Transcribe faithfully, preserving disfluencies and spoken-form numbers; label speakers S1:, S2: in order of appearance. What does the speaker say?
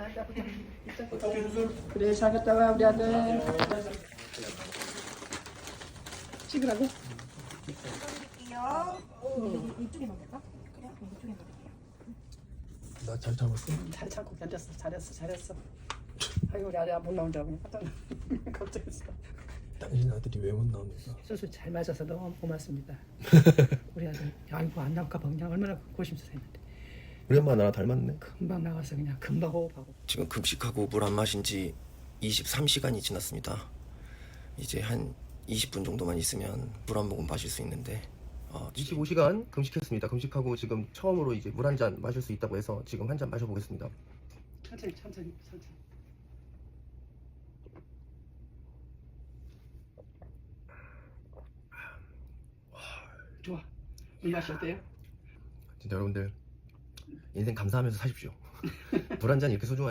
S1: 그래 잘했다 와 우리 아들. 찍으라고?
S2: 이쪽에만 될까? 그래? 이쪽에만 될게요.
S3: 나 잘 참았어.
S1: 잘 참고 견뎠어. 잘했어 잘했어. 아이고 우리 아들 못 나온 줄 알고 깜짝 걱정했어.
S3: 당신 아들이 왜 못 나옵니까?
S1: 수술 잘 맞아서 너무 고맙습니다. 우리 아들 아이고 안 나올까 봐 그냥 얼마나 고심스러웠는데
S3: 우리 엄마 나랑 닮았네.
S1: 금방 나와서 그냥 금방 호흡하고.
S4: 지금 급식하고 물 안 마신 지 이십삼 시간이 지났습니다. 이제 한 이십 분 정도만 있으면 물 한 모금 마실 수 있는데 어,
S3: 이십오 시간 금식했습니다. 금식하고 지금 처음으로 이제 물 한 잔 마실 수 있다고 해서 지금 한 잔 마셔보겠습니다.
S1: 천천히 천천히 천천히. 좋아. 이 맛이 어때요?
S3: 진짜 여러분들 인생 감사하면서 사십시오. 물 한 잔 이렇게 소중한